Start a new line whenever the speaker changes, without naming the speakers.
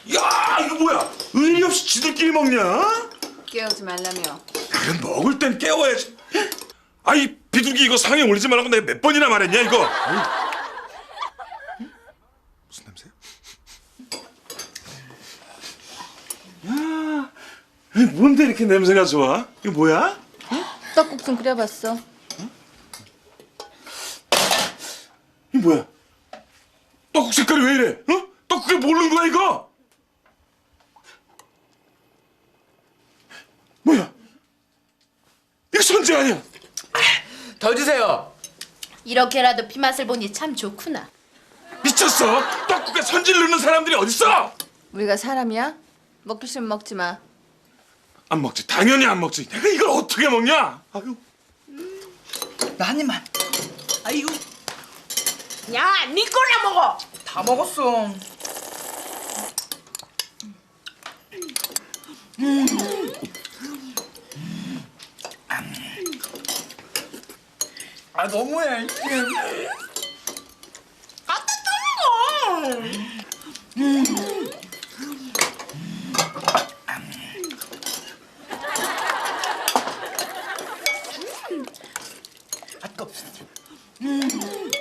야, 이거 뭐야? 의리 없이 지들끼리 먹냐?
깨우지 말라며.
그래, 먹을 땐 깨워야지. 아이, 비둘기 이거 상에 올리지 말라고 내가 몇 번이나 말했냐, 이거? 무슨 냄새야? 야, 뭔데 이렇게 냄새가 좋아? 이거 뭐야?
떡국 좀 끓여봤어.
이거 뭐야? 떡국 색깔이 왜 이래? 어? 떡국에 뭘 넣은 거야, 이거? 뭐야? 이거 선지 아니야?
더 주세요.
이렇게라도 피맛을 보니 참 좋구나.
미쳤어? 떡국에 선지를 넣는 사람들이 어딨어?
우리가 사람이야? 먹기 싫으면 먹지 마.
안 먹지, 당연히 안 먹지. 내가 이걸 어떻게 먹냐? 아유.
나 한 입만. 아이고.
야, 니 거나 먹어.
다 먹었어. 아 너무해. 아깝.